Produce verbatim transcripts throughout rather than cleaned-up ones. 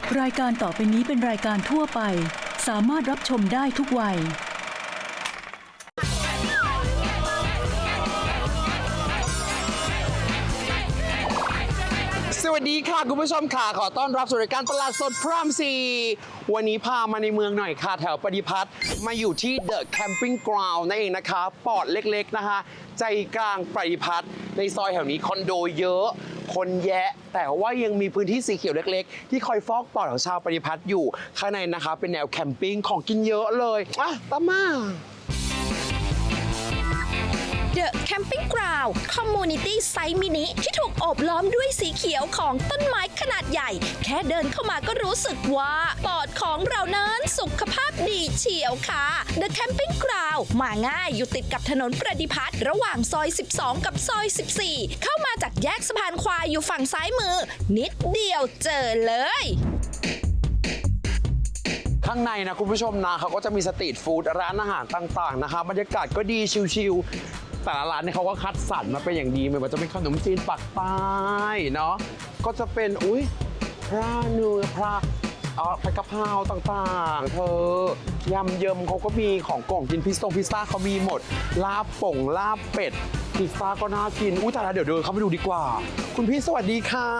รายการต่อไปนี้เป็นรายการทั่วไปสามารถรับชมได้ทุกวัยสวัสดีค่ะคุณผู้ชมค่ะขอต้อนรับสู่รายการตลาดสดพระรามสี่วันนี้พามาในเมืองหน่อยค่ะแถวปฏิพัฒน์มาอยู่ที่ The Camping Ground นั่นเองนะคะปอดเล็กๆนะคะใจกลางปฏิพัฒน์ในซอยแถวนี้คอนโดเยอะคนแยะแต่ว่ายังมีพื้นที่สีเขียวเล็กๆที่คอยฟอกปอดของชาวปฏิพัฒน์อยู่ข้างในนะคะเป็นแนวแคมปิ้งของกินเยอะเลยอ่ะตามมา The Camping Ground Community Site Mini ที่ถูกโอบล้อมด้วยสีเขียวของต้นไม้ขนาดใหญ่แค่เดินเข้ามาก็รู้สึกว่าปอดของเรานั้นสุขภาพดีเฉียวค่ะ The Camping Ground มาง่ายอยู่ติดกับถนนประดิพัฒน์ระหว่างซอย สิบสอง กับซอย สิบสี่ เข้ามาจากแยกสะพานควายอยู่ฝั่งซ้ายมือนิดเดียวเจอเลยข้างในนะคุณผู้ชมนะเขาก็จะมีสตรีทฟู้ดร้านอาหารต่างๆนะคะบรรยากาศก็ดีชิลๆแต่ละร้านเนี่ยเขาก็คัดสรรมาเป็นอย่างดีไม่ว่าจะเป็นขนมจีนปักใต้เนาะก็จะเป็นอุ้ยพระเนื้อพระอ๋อผัดกะเพราต่างๆเธอยำเยิมเขาก็มีของกล่องกินพิซซ่งพิซซ่าเขามีหมดลาบป่งลาบเป็ดพิซซ่าก็น่ากินอุ้ยแต่ละเดี๋ยวเดินเข้าไปดูดีกว่าคุณพี่สวัสดีค่ะ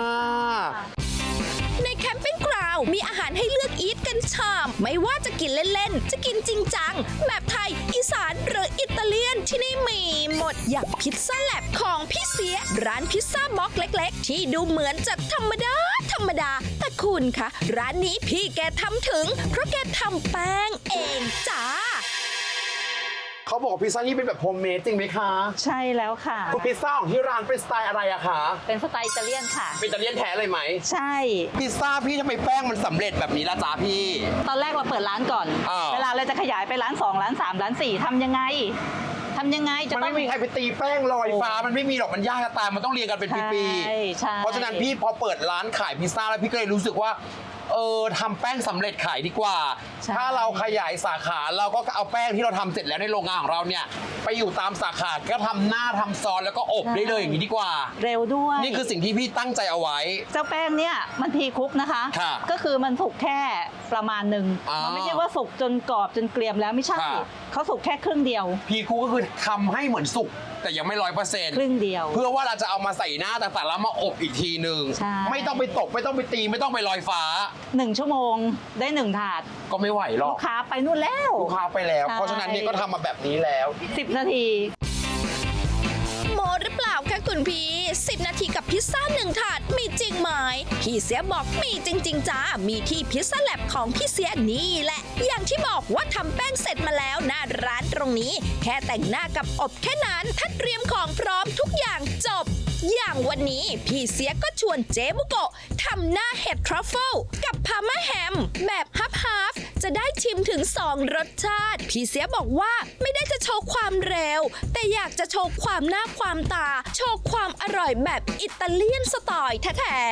ในแคมปิ้งกราวด์มีอาหารให้เลือกอีทกันชามไม่ว่าจะกินเล่นๆจะกินจริงจังแบบไทยอีสานหรืออิตาเลียนที่นี่มีหมดอย่างพิซซ่าแลบของพี่เสียร้านพิซซ่าบ็อกเล็กๆที่ดูเหมือนจะธรรมดาธรรมดาแต่คุณคะร้านนี้พี่แกทำถึงเพราะแกทำแป้งเองจ้าเขาบอกพิซซ่านี่เป็นแบบโฮมเมดจริงไหมคะใช่แล้วค่ะคุณพิซซ่าของที่ร้านเป็นสไตล์อะไรอะคะเป็นสไตล์อิตาเลียนค่ะเป็นอิตาเลียนแท้เลยไหมใช่พิซซ่าพี่ทำไมแป้งมันสำเร็จแบบนี้ล่ะจ๊ะพี่ตอนแรกเราเปิดร้านก่อนอ่าเวลาเราจะขยายไปร้านสองร้านสามร้านสี่ทำยังไงทำยังไงจะมันต้องไม่มีใครไปตีแป้งลอยฟ้ามันไม่มีหรอกมันยากจะตายมันต้องเรียงกันเป็นปีใช่ใช่ๆเพราะฉะนั้นพี่พอเปิดร้านขายพิซซ่าแล้วพี่ก็เลยรู้สึกว่าเออทำแป้งสำเร็จขายดีกว่า ถ้าเราขยายสาขาเราก็เอาแป้งที่เราทำเสร็จแล้วในโรงงานของเราเนี่ยไปอยู่ตามสาขาก็ทำหน้าทำซอสแล้วก็อบได้เลยอย่างนี้ดีกว่าเร็วด้วยนี่คือสิ่งที่พี่ตั้งใจเอาไว้เจ้าแป้งเนี่ยมันพีคุกนะคะค่ะก็คือมันสุกแค่ประมาณหนึ่งอ๋อมันไม่ใช่ว่าสุกจนกรอบจนเกรียมแล้วไม่ใช่ค่ะเขาสุกแค่ครึ่งเดียวพี่ครูก็คือทำให้เหมือนสุกแต่ยังไม่ร้อยเปอร์เซ็นต์ครึ่งเดียวเพื่อว่าเราจะเอามาใส่หน้าต่างๆแล้วมาอบอีกทีหนึ่งใช่ไม่ต้องไปตกไม่ต้องไปตีไม่ต้องไปลอยฟ้าหนึ่งชั่วโมงได้หนึ่งถาดก็ไม่ไหวหรอลูกกค้าไปนู่นแล้วลูกค้าไปแล้วใช่เพราะฉะนั้นเนี่ยก็ทำมาแบบนี้แล้วสิบนาทีโมหรือเปล่าคะคุณพี่สิบนาทีกับพิซซ่าหนึ่งถาดมีจริงไหมพี่เสียบอกมีจริงๆจ้ามีที่พิซซ่าแลบของพี่เสียนี่แหละอย่างที่บอกว่าทำแป้งเสร็จมาแล้วหน้าร้านตรงนี้แค่แต่งหน้ากับอบแค่นั้นถ้าเตรียมของพร้อมทุกอย่างจบอย่างวันนี้พี่เสียก็ชวนเจ๊บุโกะทำหน้าเห็ดทรัฟเฟิลกับพาม่าแฮมแบบฮับฮับจะได้ชิมถึงสองรสชาติพี่เสียบอกว่าไม่ได้จะโชว์ความเร็วแต่อยากจะโชว์ความหน้าความตาโชว์ความอร่อยแบบอิตาเลียนสไตล์แท้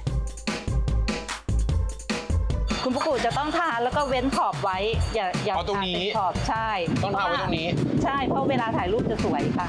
ๆคุณปุกุจะต้องทานแล้วก็เว้นขอบไว้ อย่าอย่าเอาตรงนี้ทาเป็นขอบใช่ต้องทาไว้ตรงนี้ใช่เพราะเวลาถ่ายรูปจะสวยค่ะ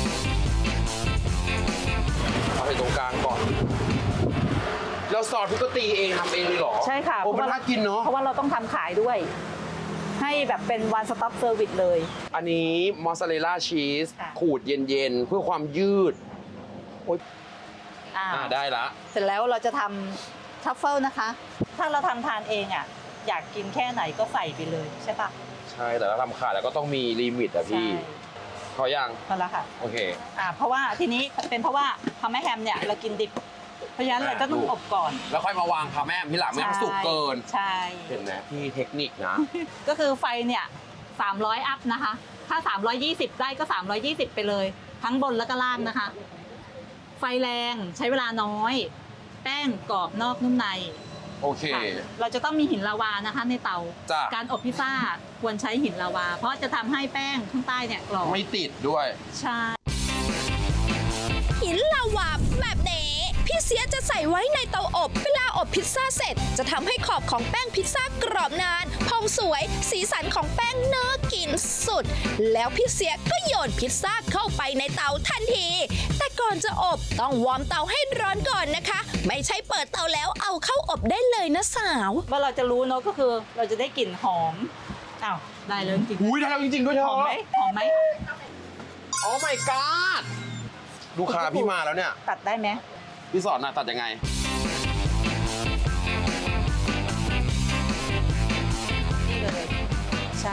เอาไปตรงกลางก่อนแล้วซอสพี่ก็ตีเองทำเองเลยเหรอใช่ค่ะโอ้มันน่ากินเนาะเพราะว่าเราต้องทำขายด้วย ให้แบบเป็น one stop service เลยอันนี้มอสซาเรลล่าชีสค่ะขูดเย็นๆเพื่อความยืดโอ๊ยอ่าอ่าได้ละเสร็จแล้วเราจะทำทัฟเฟิลนะคะ ถ้าเราทำทานเองอ่ะอยากกินแค่ไหนก็ใส่ไปเลยใช่ปะใช่แต่ถ้าทำขายแล้วก็ต้องมีลิมิตอะพี่ใช่พอยังพอแล้วค่ะโอเคอ่าเพราะว่าทีนี้เป็นเพราะว่าพาแม่แฮมเนี่ยเรากินดิบ เพราะฉะนั้นเราก็ต้องอบก่อนแล้วค่อยมาวางพาแม่ที่หลังไม่ให้มันสุกเกินใช่เห็นไหมพี่เทคนิคนะก็คือไฟเนี่ยสามร้อยอัพนะคะ ถ้าสามร้อยยี่สิบได้ก็สามร้อยยี่สิบไปเลย ทั้งบนแล้วก็ล่างนะคะ ไฟแรงใช้เวลาน้อย แป้งกรอบนอกนุ่มในโอเคค่ะเราจะต้องมีหินลาวานะคะในเตาจ้ะการอบพิซซ่าควรใช้หินลาวา เพราะจะทำให้แป้งข้างใต้เนี่ยกรอบไม่ติดด้วยใช่หินลาวาแบบนี้พี่เสียจะใส่ไว้ในเตาอบเวลาอบพิซซ่าเสร็จจะทำให้ขอบของแป้งพิซซ่ากรอบนานพองสวย สีสันของแป้งน่ากินสุด แล้วพี่เสียก็โยนพิซซ่าเข้าไปในเตาทันที แต่ก่อนจะอบต้องวอร์มเตาให้ร้อนก่อนนะคะ ไม่ใช่เปิดเตาแล้วเอาเข้าอบได้เลยนะสาวว่าเราจะรู้เนอะก็คือเราจะได้กลิ่นหอมอ้าวได้เลยจริงอุ้ยได้แล้วจริงๆด้วยเธๆหออมไหมหอมไหมโอ้ my god ลูกค้าพี่มาแล้วเนี่ยตัดได้ไหมพี่สอนนะตัดยังไงนี่เลยใช่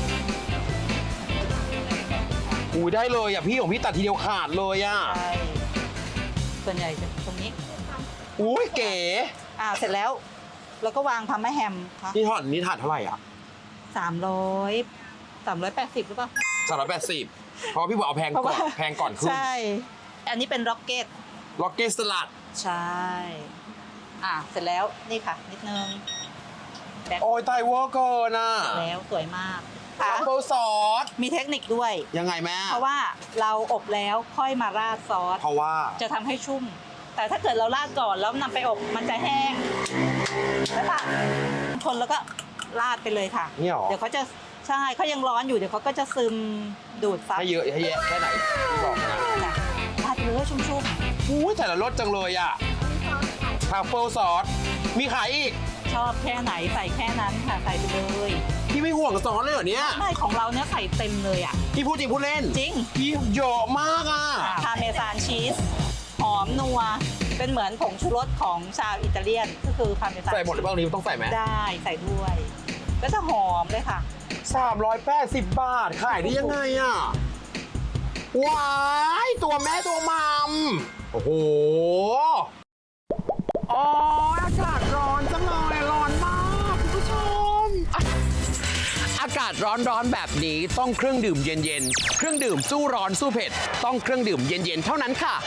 อุ้ยได้เลยอ่ะพี่ของพี่ตัดทีเดียวขาดเลยอ่ะใช่ส่วนใหญ่จะตรงนี้อุ้ยเก๋อ่าเสร็จแล้วเราก็วางพาร์มาแฮมค่ะนี่ถอดนี่ถาดเท่าไหร่อ่ะสามร้อยสามร้อยแปดสิบหรือเปล่าสามร้อยแปดสิบเพราะพี่บอกเอาแพงเพราะก่อว่านแพงก่อนขึ้นใช่ อันนี้เป็นร็อกเก็ตล็อกเก็ตสลัดใช่ อ่าเสร็จแล้วนี่ค่ะ นิดนึงแบ็คโอ้ยไตเวอร์เกินอ่ะแล้วสวยมากทัค่ะฟเฟิลซอสมีเทคนิคด้วยยังไงแม่เพราะว่าเราอบแล้วค่อยมาราดซอสเพราะว่าจะทำให้ชุ่ม แต่ถ้าเกิดเราราดก่อนแล้วนำไปอบมันจะแห้งแล้วค่ะคนแล้วก็ราดไปเลยค่ะนี่หรอเดี๋ยวเขาจะใช่เขายังร้อนอยู่เดี๋ยวเขาก็จะซึมดูดซับให้เยอะให้แยะแค่ไหนพี่บอกนะจ้ะราดไปเลยชุ่มอุ้ยแต่ละรสจังเลยอ่ะทัฟเฟิลซอสมีขายอีกๆ ชอบแค่ไหนใส่แค่นั้นค่ะใส่ไปเลยพี่ไม่ห่วงซอสเลยเหรอเนี่ยไม่ของเราเนี่ยใส่เต็มเลยอ่ะพี่พูดจริงพูดเล่นจริงพี่เยอะมากอ่ะพาเมซานชีสหอมนัวเป็นเหมือนผงชูรสของชาวอิตาเลียนก็คือพาเมซานใส่หมดหรือเปล่านี้ต้องใส่ไหมได้ใส่ด้วย ก็จะหอมเลยค่ะสามร้อยแปดสิบบาท ขายได้ยังไงอ่ะ ว้าย ตัวแม่ตัวมัม โอ้โหอ๋ออากาศร้อนจังเลยร้อนมากคุณผู้ชมอ่ะอากาศร้อนๆแบบนี้ต้องเครื่องดื่มเย็นๆ เครื่องดื่มสู้ร้อนสู้เผ็ด ต้องเครื่องดื่มเย็นๆ เท่านั้นค่ะ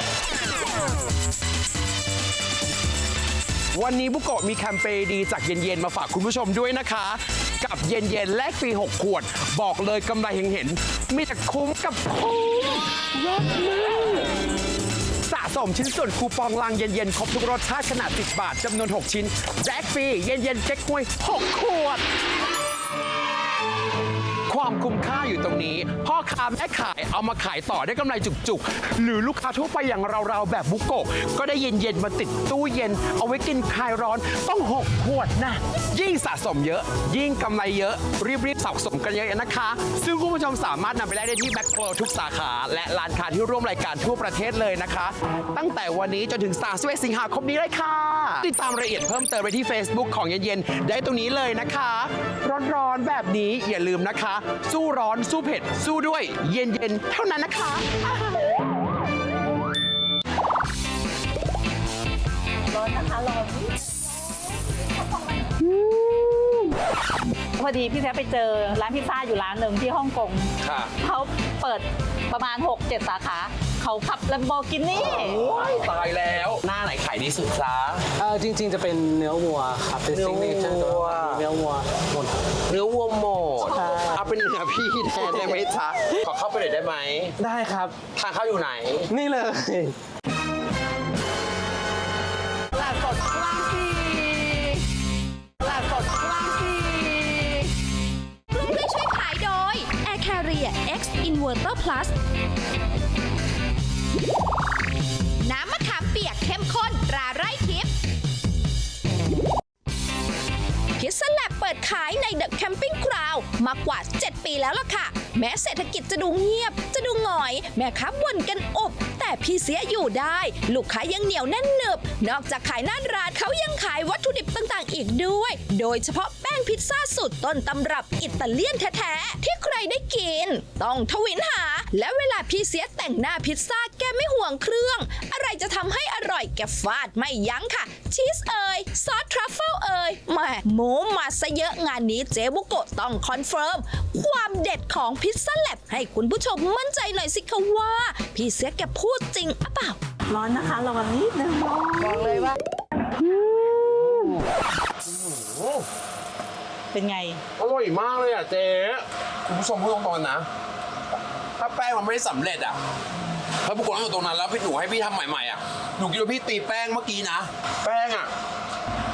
วันนี้บุโกะมีแคมเปญดีจากเย็นๆ มาฝากคุณผู้ชมด้วยนะคะ กับเย็นๆ แลกฟรี หก ขวด บอกเลยกำไรเห็นๆ มีแต่คุ้มกับคุ้มยอดมากสะสมชิ้นส่วนคูปองลังเย็นๆ ครบทุกรสชาติขนาดสิบบาทจำนวน หก ชิ้นแลกฟรี เย็นๆ เก๊กฮวย หก ขวด ความคุ้มค่าอยู่ตรงนี้ พ่อค้าแม่ขายเอามาขายต่อได้กำไรจุกๆ หรือลูกค้าทั่วไปอย่างเราๆ แบบบุโกะก็ได้เย็นๆ มาติดตู้เย็น เอาไว้กินคลายร้อนต้อง หก ขวดนะ ยิ่งสะสมเยอะ ยิ่งกำไรเยอะ รีบๆสะสมกันเยอะๆนะคะ ซึ่งคุณผู้ชมสามารถนำไปได้ที่แบ็คโคลทุกสาขา และร้านค้าที่ร่วมรายการทั่วประเทศเลยนะคะ ตั้งแต่วันนี้จนถึงสามสิบเอ็ดสิงหาคมนี้เลยค่ะ ติดตามรายละเอียดเพิ่มเติมไปที่ Facebook ของเย็นๆ ได้ตรงนี้เลยนะคะ ร้อนๆแบบนี้อย่าลืมนะคะ สู้ร้อนสู้เผ็ด สู้ด้วยเย็นๆ เท่านั้นนะคะร้อนนะคะร้อนพอดีพี่แท้ไปเจอร้านพิซซ่าอยู่ร้านหนึ่งที่ฮ่องกงค่ะเขาเปิดประมาณ หกเจ็ด สาขา เขาขับ Lamborghini โอ้ยตายแล้ว หน้าไหนขายดีสุดจ้าเออจริงๆจะเป็นเนื้อวัวครับเป็นเนื้อซิงเนเจอร์วัวเนื้อวัวหมดเนื้อวัวหมดใช่เอาเป็นเนื้อพี่แทนได้ไหมจ๊ะขอเข้าไปหน่อยได้ไหมได้ครับทางเข้าอยู่ไหนนี่เลยตลาดสดคลาสสิกตลาดสดคลาสสิกร่วมด้วยช่วยขายโดย Air Carrier X Inverter Plus น้ำมะขามเปียกเข้มข้นตราไร่ทิพย์พิซซ่าแลบเปิดขายในเดอะแคมปิ้งกราวด์มากว่า เจ็ด ปีแล้วล่ะค่ะ แม้เศรษฐกิจจะดูเงียบ จะดูหงอย แม่ค้าบ่นกันอบ แต่พี่เสียอยู่ได้ ลูกค้ายังเหนียวแน่นหนึบ นอกจากขายหน้าร้านเขายังขายวัตถุดิบต่างๆ อีกด้วย โดยเฉพาะแป้งพิซซ่าสูตรต้นตำรับอิตาเลียนแท้ๆที่ใครได้กิน ต้องทวินหา และเวลาพี่เสียแต่งหน้าพิซซ่าแกไม่ห่วงเครื่อง อะไรจะทำให้อร่อยแกฟาดไม่ยั้งค่ะ ชีสเอ่ยซอสทรัฟเฟิลเอ่ยแหม่หมูมาซะเยอะงานนี้เจ๊บุโกะต้องคอนเฟิร์มความเด็ดของพิซซ่าแลบให้คุณผู้ชมมั่นใจหน่อยสิคะว่า พี่เสียแกพูดจริงหรือเปล่าร้อนนะคะระวังนิดนึงบอกเลยว่า เป็นไงอร่อยมากเลยอ่ะเจ๊คุณผู้ชมพูดตรงๆนะ ถ้าแป้งมันไม่ได้สำเร็จอ่ะถ้าบุกคนนั่งอยู่ตรงนั้นแล้วพี่หนูให้พี่ทำใหม่ๆอ่ะหนูคิดว่าพี่ตีแป้งเมื่อกี้นะ แป้งอ่ะ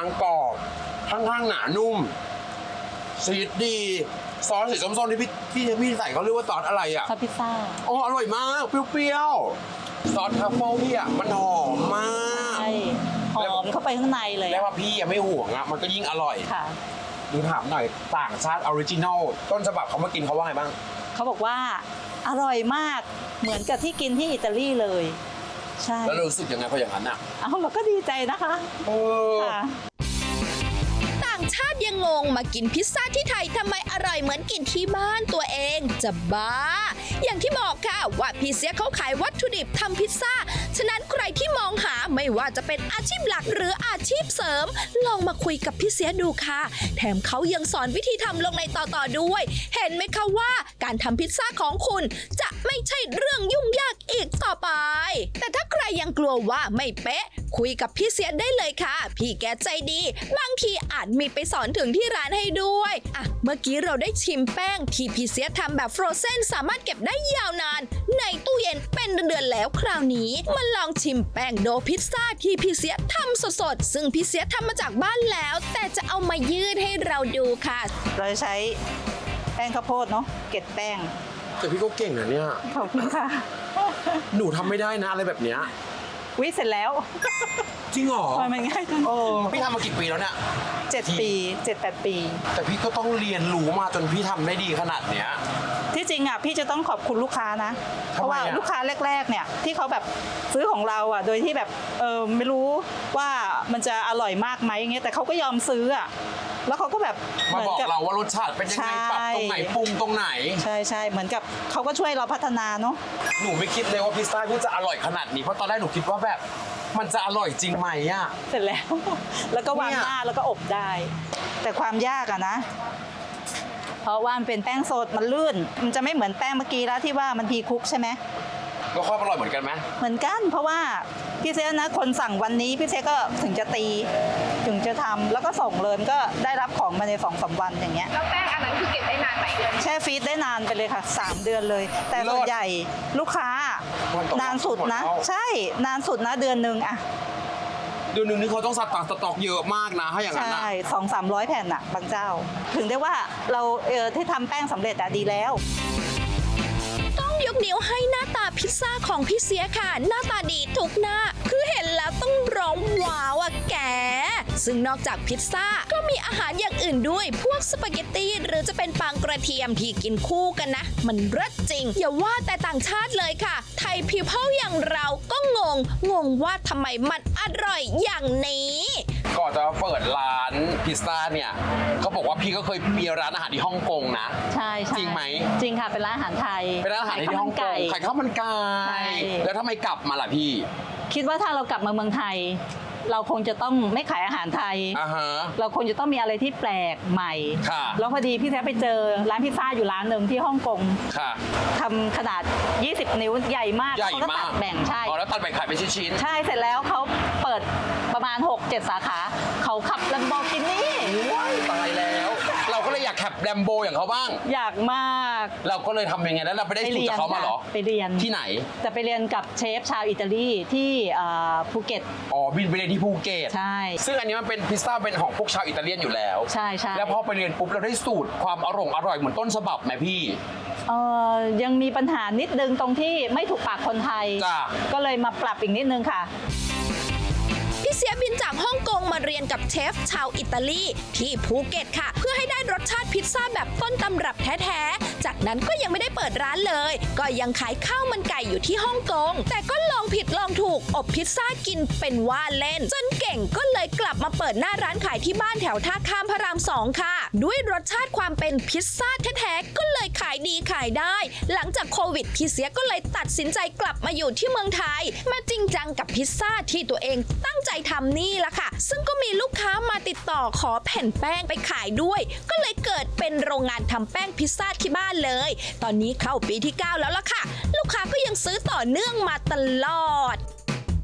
างกรอบข้างๆหนานุ่มซีดดีซอสสีส้มๆที่พี่ที่พี่ใส่เขาเรียกว่าซอสอะไรอ่ะซอสพิซซ่าโอ้อร่อยมากเปรี้ยวๆซอสทรัฟเฟิลพี่อ่ะมันหอมมากใช่หอมเข้าไปข้างในเลยแล้วอะว่าพี่ยังไม่ห่วงอ่ะมันก็ยิ่งอร่อยค่ะดูถามหน่อยต่างชาติออริจินอลต้นฉบับเขามากินเขาว่าไงบ้างเขาบอกว่าอร่อยมากเหมือนกับที่กินที่อิตาลีเลย ใช่แล้วเรารู้สึกยังไงพออย่างนั้นอ่ะเอ้าเราก็ดีใจนะคะเออค่ะต่างชาติยังงงมากินพิซซ่าที่ไทยทำไมอร่อยเหมือนกินที่บ้านตัวเองจะบ้า อย่างที่บอกค่ะว่าพี่เสียเขาขายวัตถุดิบทำพิซซ่า ฉะนั้นใครที่มองหาไม่ว่าจะเป็นอาชีพหลักหรืออาชีพเสริม ลองมาคุยกับพี่เสียดูค่ะ แถมเขายังสอนวิธีทำลงในต่อๆด้วย เห็นไหมคะว่าการทำพิซซ่าของคุณจะไม่ใช่เรื่องยุ่งยากอีกต่อไป แต่ถ้าใครยังกลัวว่าไม่เป๊ะ คุยกับพี่เสียได้เลยค่ะ พี่แกใจดี บางทีอาจมีไปสอนถึงที่ร้านให้ด้วยอ่ะเมื่อกี้เราได้ชิมแป้งที่พี่เสียทำแบบฟรอเซนสามารถเก็บได้ยาวนาน ในตู้เย็นเป็นเดือนๆแล้วคราวนี้มาลองชิมแป้งโดพิซซ่าที่พี่เสียทำสดๆซึ่งพี่เสียทำมาจากบ้านแล้ว แต่จะเอามายืดให้เราดูค่ะเราจะใช้แป้งข้าวโพดเนาะเกล็ดแป้งแต่พี่ก็เก่งนะเนี่ยขอบคุณค่ะหนูทำไม่ได้นะอะไรแบบเนี้ยวิเสร็จแล้วจริงเหรอทำไมมันง่ายจังเออพี่ทำมากี่ปีแล้วเนี่ยเจ็ดปีเจ็ดแปดปีแต่พี่ก็ต้องเรียนรู้มาจนพี่ทำได้ดีขนาดเนี้ยที่จริงอ่ะพี่จะต้องขอบคุณลูกค้านะ เพทำไมราะว่าอะลูกค้าแรกๆเนี่ยที่เขาแบบซื้อของเราอ่ะโดยที่แบบเออไม่รู้ว่ามันจะอร่อยมากไหมอย่างเงี้ยแต่เขาก็ยอมซื้ออ่ะแล้วเขาก็แบบมาเหมืบอกกับเราว่ารสชาติเป็นยังไงใช่ปรับตรงไหนปรุงตรงไหนใช่ใช่เหมือนกับเขาก็ช่วยเราพัฒนาเนาะหนูไม่คิดเลยว่าพิซซ่าพี่จะอร่อยขนาดนี้เพราะตอนแรกหนูคิดว่าแบบมันจะอร่อยจริงไหมอ่ะเสร็จแล้ว แล้วก็วางเนี่ยหน้าแล้วก็อบได้ แต่ความยากอะนะ เพราะว่ามันเป็นแป้งสดมันลื่น มันจะไม่เหมือนแป้งเมื่อกี้แล้วที่ว่ามันพีคุกใช่ไหมแล้วความอร่อยเหมือนกันไหมเหมือนกันเพราะว่าพี่เซนะคนสั่งวันนี้พี่เซก็ถึงจะตี ถึงจะทำแล้วก็ส่งเลยมันก็ได้รับของมาในสองสามวันอย่างเงี้ยแล้วแป้งอันนั้นคือเก็บได้นานไหมแช่ฟรีซได้นานไปเลยค่ะสามเดือนเลย แต่ส่วนใหญ่ลูกค้าวันต่อวันนานสุดนะหมดแล้วใช่นานสุดนะเดือนหนึ่งอะเดือนหนึ่งนี่เขาต้องสต็อกสต็อกเยอะมากนะถ้าอย่างนั้นใช่นะสองสามร้อยแผ่นอะบางเจ้า ถึงได้ว่าเราเออที่ทำแป้งสำเร็จอะดีแล้วต้องยกนิ้วให้หน้าตาพิซซ่าของพี่เสียค่ะ หน้าตาดีทุกหน้า คือเห็นแล้วต้องร้องว้าวอะแก ซึ่งนอกจากพิซซ่าก็มีอาหารอย่างอื่นด้วย พวกสปาเกตตี้หรือจะเป็นปังกระเทียมที่กินคู่กันนะ มันเลิศจริง อย่าว่าแต่ต่างชาติเลยค่ะ ไทยพีเพิลอย่างเราก็งง งงว่าทำไมมันอร่อยอย่างนี้ก่อนจะเปิดร้านพิซซ่าเนี่ยเขาบอกว่าพี่ก็เคยมีร้านอาหารที่ฮ่องกงนะใช่ใช่จริงไหมจริงค่ะ เป็นร้านอาหารไทยเป็นร้านอาหารที่ฮ่องกงขายข้าวมันไก่ใช่แล้วทำไมกลับมาล่ะพี่คิดว่าถ้าเรากลับมาเมืองไทย เราคงจะต้องไม่ขายอาหารไทยอ่าฮะเราคงจะต้องมีอะไรที่แปลกใหม่ค่ะแล้วพอดีพี่แท้ไปเจอร้านพิซซ่าอยู่ร้านหนึ่งที่ฮ่องกงค่ะทำขนาด ยี่สิบ นิ้วใหญ่มากใหญ่เขาก็มาตักดแบ่งใช่อ๋อแล้วตัดแบ่งขายเป็นชิ้นใช่เสร็จแล้วเขาเปิดประมาณ หกเจ็ด สาขา เขาขับลัมโบกินี่ๆว้ายตายแล้ว เราก็เลยอยากแคปแรมโบอย่างเขาบ้างอยากมากเราก็เลยทำยังไงแล้วเราไปได้สูตรจากเขามาเหรอไปเรียนที่ไหนจะไปเรียนกับเชฟชาวอิตาลีที่เอ่อภูเก็ตอ๋อบินไปเรียนที่ภูเก็ตใช่ซึ่งอันนี้มันเป็นพิซซ่าเป็นของพวกชาวอิตาเลียนอยู่แล้วใช่ใช่แล้วพอไปเรียนปุ๊บเราได้สูตรความอร่อยอร่อยเหมือนต้นฉบับไหมพี่เอ่อยังมีปัญหานิดนึงตรงที่ไม่ถูกปากคนไทยจ้ะก็เลยมาปรับอีกนิดนึงค่ะพี่เสียบินจากฮ่องกงมาเรียนกับเชฟชาวอิตาลีที่ภูเก็ตค่ะ เพื่อให้ได้รสชาติพิซซ่าแบบต้นตำรับแท้ๆ จากนั้นก็ยังไม่ได้เปิดร้านเลย ก็ยังขายข้าวมันไก่อยู่ที่ฮ่องกง แต่ก็ลองผิดลองถูกอบพิซซ่ากินเป็นว่าเล่น จนเก่งก็เลยกลับมาเปิดหน้าร้านขายที่บ้านแถวท่าข้ามพระรามสองค่ะ ด้วยรสชาติความเป็นพิซซ่าแท้ๆ ก็เลยขายดีขายได้ หลังจากโควิดพี่เสียก็เลยตัดสินใจกลับมาอยู่ที่เมืองไทย มาจริงจังกับพิซซ่าที่ตัวเองตั้งใจทำนี่ละค่ะ ซึ่งก็มีลูกค้ามาติดต่อขอแผ่นแป้งไปขายด้วย ก็เลยเกิดเป็นโรงงานทำแป้งพิซซ่าที่บ้านเลย ตอนนี้เข้าปีที่เก้าแล้วล่ะค่ะ ลูกค้าก็ยังซื้อต่อเนื่องมาตลอดพอ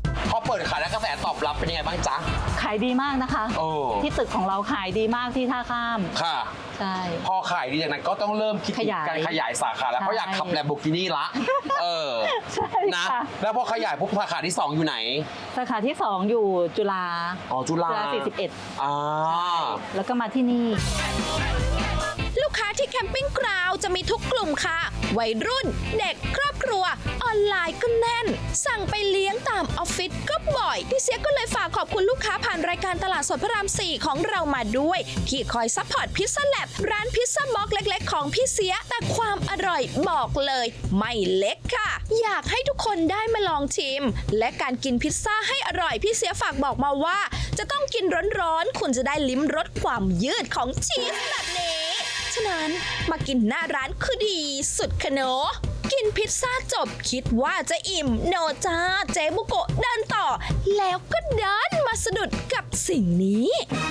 เปิดขายแล้วกระแสตอบรับเป็นยังไงบ้างจ๊ะขายดีมากนะคะโอ้ที่ตึกของเราขายดีมากที่ท่าข้ามค่ะใช่พอขายดีจากนั้นก็ต้องเริ่มคิดขยายการขยายสาขาแล้วใช่เพราะอยากขับแลมโบกินี่ละ เออใช่นะค่ะแล้วพอขยายปุ๊บสาขาที่สองอยู่ไหนสาขาที่สองอยู่จุฬาอ๋อจุฬาจุฬาสี่สิบเอ็ดอ่าแล้วก็มาที่นี่ลูกค้าที่แคมปิ้งกราวจะมีทุกกลุ่มค่ะ วัยรุ่น เด็กครอบครัว ออนไลน์ก็แน่น สั่งไปเลี้ยงตามออฟฟิศก็บ่อย พี่เสียก็เลยฝากขอบคุณลูกค้าผ่านรายการตลาดสดพระรามสี่ของเรามาด้วย ที่คอยซัพพอร์ตพิซซ่าแลบร้านพิซซ่าบล็อกเล็กๆ ของพี่เสีย แต่ความอร่อยบอกเลย ไม่เล็กค่ะ อยากให้ทุกคนได้มาลองชิม และการกินพิซซ่าให้อร่อยพี่เสียฝากบอกมาว่า จะต้องกินร้อนๆคุณจะได้ลิ้มรสความยืดของชีสแบบนี้ ฉะนั้นมากินหน้าร้านคือดีสุดคะเนอะกินพิซซ่าจบคิดว่าจะอิ่มโนจ้าเจ๊บุโกะเดินต่อ แล้วก็เดินมาสะดุดกับสิ่งนี้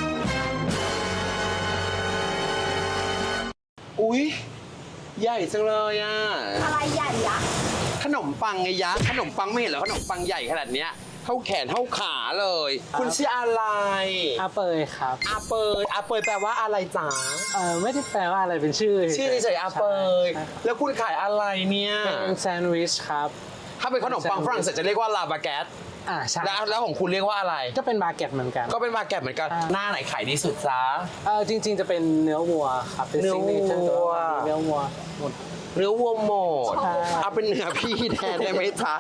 อุ๊ย ใหญ่จังเลยอ่ะอะไรใหญ่ยะขนมปังไงยะ ขนมปังไม่เห็นเหรอขนมปังใหญ่ขนาดเนี้ยเท่าแขนเท่าขาเลย คุณชื่ออะไรอาเปยครับอาเปยอาเปยแปลว่าอะไรจ๋าเออไม่ได้แปลว่าอะไรเป็นชื่อชื่อเฉยๆอาเปยใช่แล้วคุณขายอะไรเนี่ยเป็นแซนด์วิชครับถ้าเป็นขนมปังฝรั่งเศสจะเรียกว่าลาบาแกตอ่าใช่แล้วแล้วของคุณเรียกว่าอะไรก็เป็นบาเก็ตเหมือนกันก็เป็นบาแกตเหมือนกันอ่าหน้าไหนขายดีสุดจ้าเออจริง ๆ จะเป็นเนื้อวัวครับ เป็นเนื้อซิกเนเจอร์วัวเนื้อวัวหมดเนื้อวัวหมดใช่เอาเป็นเนื้อพี่แทนได้ไหมจ๊ะ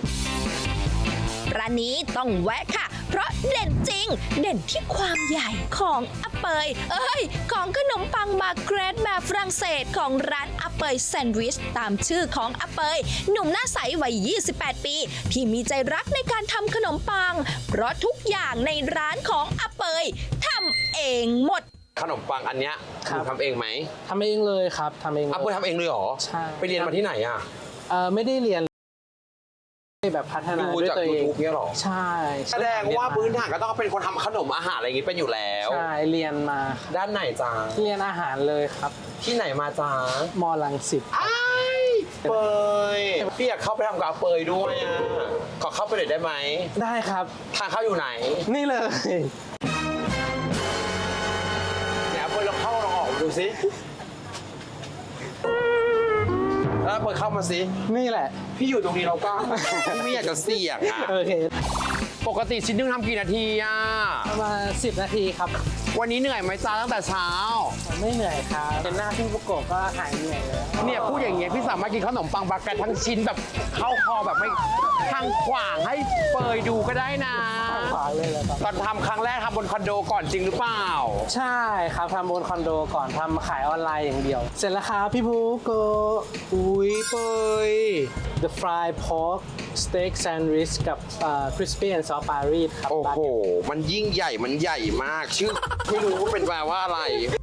ร้านนี้ต้องแวะค่ะ เพราะเด่นจริง เด่นที่ความใหญ่ของอาเปย เอ้ย ของขนมปังมาเกรดแบบฝรั่งเศสของร้านอาเปยแซนด์วิชตามชื่อของอาเปย หนุ่มหน้าใสวัย ยี่สิบแปด ปี ที่มีใจรักในการทำขนมปัง เพราะทุกอย่างในร้านของอาเปยทำเองหมดขนมปังอันเนี้ยครับณทำเองไหมทำเองเลยครับทำเองเลยอาเปยทำเองเลยเหรอใช่ไปเรียนมาที่ไหนอ่ะเออไม่ได้เรียนแบบพัฒนาดูด้วยจากตัวเอง YouTube เนี่ยเหรอใช่แสดงว่าพื้นฐานก็ต้องเป็นคนทำขนมอาหารอะไรอย่างงี้เป็นอยู่แล้วใช่เรียนมาด้านไหนจ้าเรียนอาหารเลยครับที่ไหนมาจ้ามอลังสิตอ้ายเปยพี่อยากเข้าไปทำกับอาเปยด้วยอ่ะขอเข้าไปหน่อยได้ไหมได้ครับทางเข้าอยู่ไหนนี่เลยเดี๋ยวอาเปยลองเข้าลองออกดูสิแล้วอาเปยเข้ามาสินี่แหละพี่อยู่ตรงนี้เราก็ พี่ไม่อยากจะเสี่ยงอ่ะโอเคปกติชิ้นหนึงทำกี่นาทีอ่ะประมาณสิบนาทีครับวันนี้เหนื่อยไหมจ้าตั้งแต่เช้าไม่เหนื่อยครับเป็นหน้าที่ประกบก็หายเหนื่อยแล้วเนี่ยพูดอย่างเงี้ยพี่สามารถกินขนมปังบาเกตทั้งชิ้นแบบเข้าคอแบบไม่ทางขวางให้เปยดูก็ได้นะขวาเลยแล้วครับตอนทำครั้งแรกทำบนคอนโดก่อนจริงหรือเปล่าใช่ครับทำบนคอนโดก่อนทำขายออนไลน์อย่างเดียว เสร็จแล้วครับพี่ภูโกอุ้ยเปย The fried pork steak sandwich กับเอ่อ crispy and soft Paris ครับโอ้โห มันยิ่งใหญ่มันใหญ่มาก ชื่อ ไม่รู้ว่าเป็นแปลว่าอะไร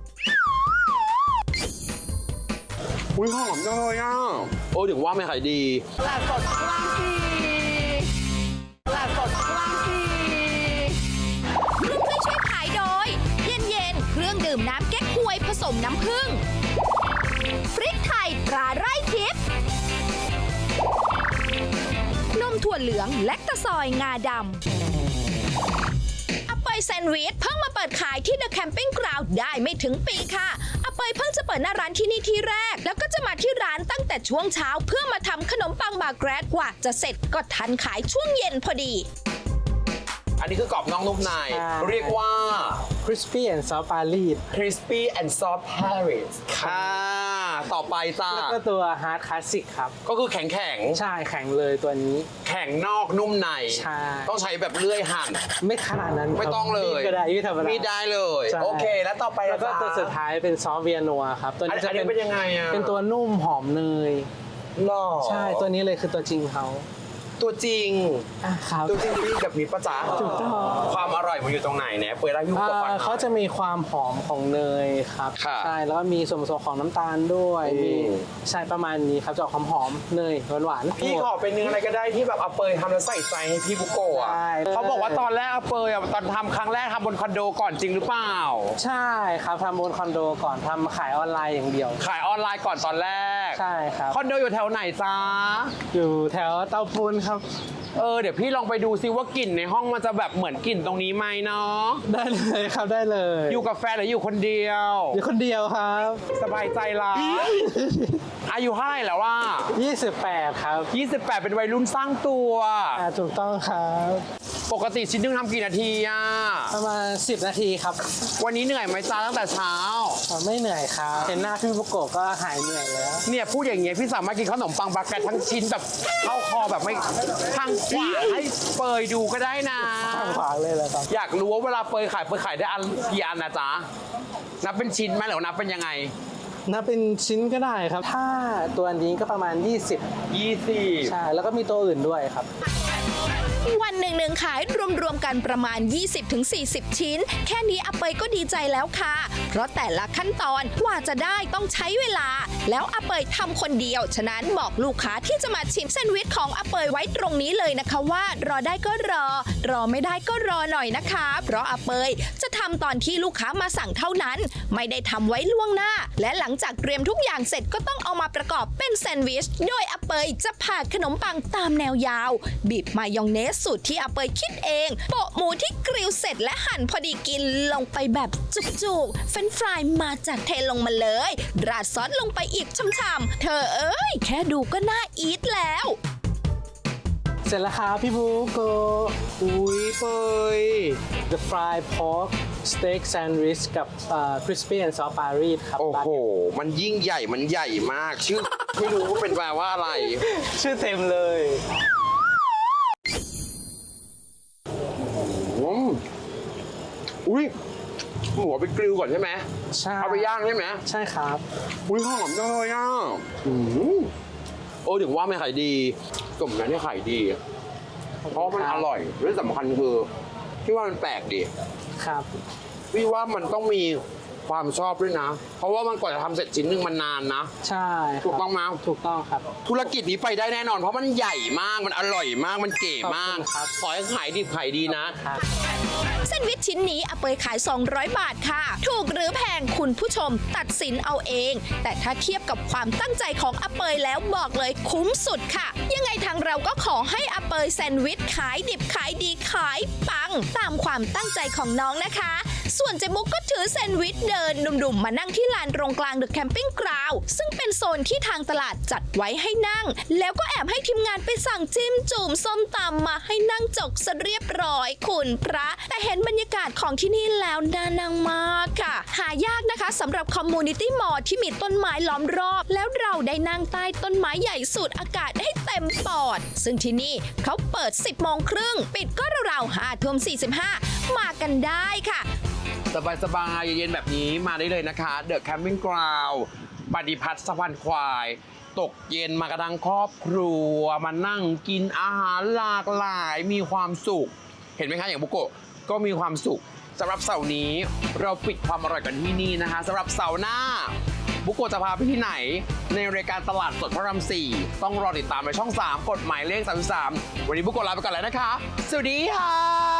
อุ้ยหอมจังเลยอ่ะโอ้ถึงว่าไม่ขายดีตลาดสดพลังสีตลาดสดพลังสีร่วมด้วยช่วยขายโดย เย็นเย็นๆเครื่องดื่มน้ำแก๊กฮวยผสมน้ำผึ้งพริกไทยตราไร่ทิพย์นมถั่วเหลืองและตะซอยงาดำอาเปยแซนด์วิชเพิ่งมาเปิดขายที่ The Camping Ground ได้ไม่ถึงปีค่ะอาเปยเพิ่งจะเปิดหน้าร้านที่นี่ที่แรก แล้วก็จะมาที่ร้านตั้งแต่ช่วงเช้าเพื่อมาทำขนมปังบาแกรดกว่าจะเสร็จก็ทันขายช่วงเย็นพอดีอันนี้คือกรอบนอกนุ่มในใช่เรียกว่า crispy and soft Paris crispy and soft Paris ค่ะ ต่อไปจ้าแล้วก็ตัว hard classic ครับก็คือแข็งแข็งใช่แข็งเลยตัวนี้ๆแข็งนอกนุ่มในใช่ต้องใช้แบบเลื่อยหั่นไม่ขนาดนั้นครับไม่ต้องเลยมีดก็ได้ยืดธรรมดามีดได้เลยใช่โอเค แล้วต่อไปแล้วก็ล่ะตัวจ๊ะสุดท้ายเป็นซอสเวียนัวครับ ตัวอันนี้จะอันนี้เป็นยังไงอ่ะเป็นตัวนุ่มหอมเนยหล่อใช่ ตัวนี้เลยคือตัวจริงเขาตัวจริงอ่ะครับตัวจริงพี่แบบมีประจ๋าถูกต้องความอร่อยมันอยู่ตรงไหนเนี่ยเปิดร้านยูอ่ากับฟังหน่อยเขาจะมีความหอมของเนยครับค่ะใช่ แล้วก็มีส่วนผสมของน้ำตาลด้วยอืมมีใช่ประมาณนี้ครับจะออกหอมๆเนยหวานๆพี่ขอเป็นเนื้ออะไรก็ได้ที่แบบเอาเปยทำแล้วใส่ใจให้พี่บุโกะอะใช่เขาบอกว่าตอนแรกเอาเปยอะตอนทำครั้งแรกทำบนคอนโดก่อนจริงหรือเปล่าใช่ครับทำบนคอนโดก่อนทำขายออนไลน์อย่างเดียวขายออนไลน์ก่อนตอนแรกใช่ครับคอนโดอยู่แถวไหนจ้าอยู่แถวเตาปูนครับเออเดี๋ยวพี่ลองไปดูซิว่ากลิ่นในห้องมันจะแบบเหมือนกลิ่นตรงนี้ไหมเนาะได้เลยครับได้เลยอยู่กับแฟนหรืออยู่คนเดียวอยู่คนเดียวครับสบายใจละอายุเท่าไหร่แล้วว่ายี่สิบแปดครับยี่สิบแปดเป็นวัยรุ่นสร้างตัวอ่าถูกต้องครับปกติชิ้นหนึงทำกี่นาทีอ่ะประมาณสิบนาทีครับวันนี้เหนื่อยไหมจ้าตั้งแต่เช้าอ่าไม่เหนื่อยครับเห็นหน้าพี่บุโกะก็หายเหนื่อยแล้วเนี่ยพูดอย่างเงี้ยพี่สามารถกินขนมปังบาเกตทั้งชิ้นแบบเข้าคอแบบไม่ทางขวาให้เปยดูก็ได้นะข้างขวางเลยเหรอครับอยากรู้ว่าเวลาเปยขายเปยขายได้อันกี่อันนะจ๊ะนับเป็นชิ้นไหมหรือนับเป็นยังไงนับเป็นชิ้นก็ได้ครับ ถ้าตัวนี้ก็ประมาณ ยี่สิบยี่สิบใช่ แล้วก็มีตัวอื่นด้วยครับวันหนึ่งหนึ่งขายรวมๆกันประมาณ ยี่สิบถึงสี่สิบ ชิ้น แค่นี้อาเปยก็ดีใจแล้วค่ะ เพราะแต่ละขั้นตอนกว่าจะได้ต้องใช้เวลา แล้วอาเปยทำคนเดียว ฉะนั้นบอกลูกค้าที่จะมาชิมแซนด์วิชของอาเปยไว้ตรงนี้เลยนะคะว่ารอได้ก็รอ รอไม่ได้ก็รอหน่อยนะคะ เพราะอาเปยจะทำตอนที่ลูกค้ามาสั่งเท่านั้น ไม่ได้ทำไว้ล่วงหน้า และหลังจากเตรียมทุกอย่างเสร็จก็ต้องเอามาประกอบเป็นแซนด์วิช โดยอาเปยจะผ่าขนมปังตามแนวยาว บีบมายองเนสสูตรที่อาเปยคิดเอง โปะหมูที่กริลเสร็จและหั่นพอดีกินลงไปแบบจุกๆเฟรนช์ฟรายมาจากเทลงมาเลย ราดซอสลงไปอีกช่ำๆเธอเอ้ย แค่ดูก็น่าอีทแล้วเสร็จแล้วครับพี่บุโกะอุ้ยเปย The fried pork steak sandwich กับ uh, crispy and soft Paris ครับโอ้โห มันยิ่งใหญ่มันใหญ่มาก ชื่อ ไม่รู้ว่าเป็นแปลว่าอะไรชื่อเต็มเลยอืมอุ้ยหมูเอาไปกริลก่อนใช่ไหมใช่เอาไปย่างใช่ไหมใช่ครับอุ้ยหอมจังเลยอ่ะอืมโอ้ถึงว่าไม่ขายดีสมนั้นที่ขายดี เพราะมันอร่อยและสำคัญคือพี่ว่ามันแปลกดีครับพี่ว่ามันต้องมีความชอบด้วยนะ เพราะว่ามันกว่าจะทำเสร็จชิ้นหนึ่งมันนานนะใช่ครับถูกต้องไหมถูกต้องครับธุรกิจนี้ไปได้แน่นอน เพราะมันใหญ่มากมันอร่อยมากมันเก๋มากขอบคุณครับขอให้ขายดีขายดีนะครับแซนด์วิชชิ้นนี้อาเปยขาย สองร้อย บาทค่ะ ถูกหรือแพงคุณผู้ชมตัดสินเอาเอง แต่ถ้าเทียบกับความตั้งใจของอาเปยแล้วบอกเลยคุ้มสุดค่ะ ยังไงทางเราก็ขอให้อาเปยแซนด์วิชขายดิบขายดีขายปัง ตามความตั้งใจของน้องนะคะ ส่วนเจมุกก็ถือแซนด์วิชเดินดุ่มๆมานั่งที่ลานตรงกลางเดอะแคมปิ้งกราวด์ซึ่งเป็นโซนที่ทางตลาดจัดไว้ให้นั่ง แล้วก็แอบให้ทีมงานไปสั่งจิ้มจุ่มส้มตำมาให้นั่งจกซะเรียบร้อยคุณพระ แต่เห็นบรรยากาศของที่นี่แล้วน่านั่งมากค่ะ หายากนะคะสำหรับคอมมูนิตี้มอลล์ที่มีต้นไม้ล้อมรอบ แล้วเราได้นั่งใต้ต้นไม้ใหญ่สูดอากาศให้เต็มปอด ซึ่งที่นี่เขาเปิด สิบโมงครึ่งปิดก็ราวๆห้าทุ่มสี่สิบห้ามากันได้ค่ะสบายสบายๆเย็นๆแบบนี้มาได้เลยนะคะ เดอะแคมปิ้งกราวด์ปฏิพัฒน์สะพานควาย ตกเย็นมากระทั่งครอบครัว มานั่งกินอาหารหลากหลายมีความสุข เห็นไหมคะอย่างบุโกะก็มีความสุขสำหรับเสาร์นี้เราปิดความอร่อยกันที่นี่นะคะสำหรับเสาร์หน้า บุโกะจะพาไปที่ไหน ในรายการตลาดสดพระรามสี่ต้องรอติดตามในช่องสามกฎหมายเลขสามสิบสามวันนี้บุโกะลาไปก่อนแล้วนะคะ สวัสดีค่ะ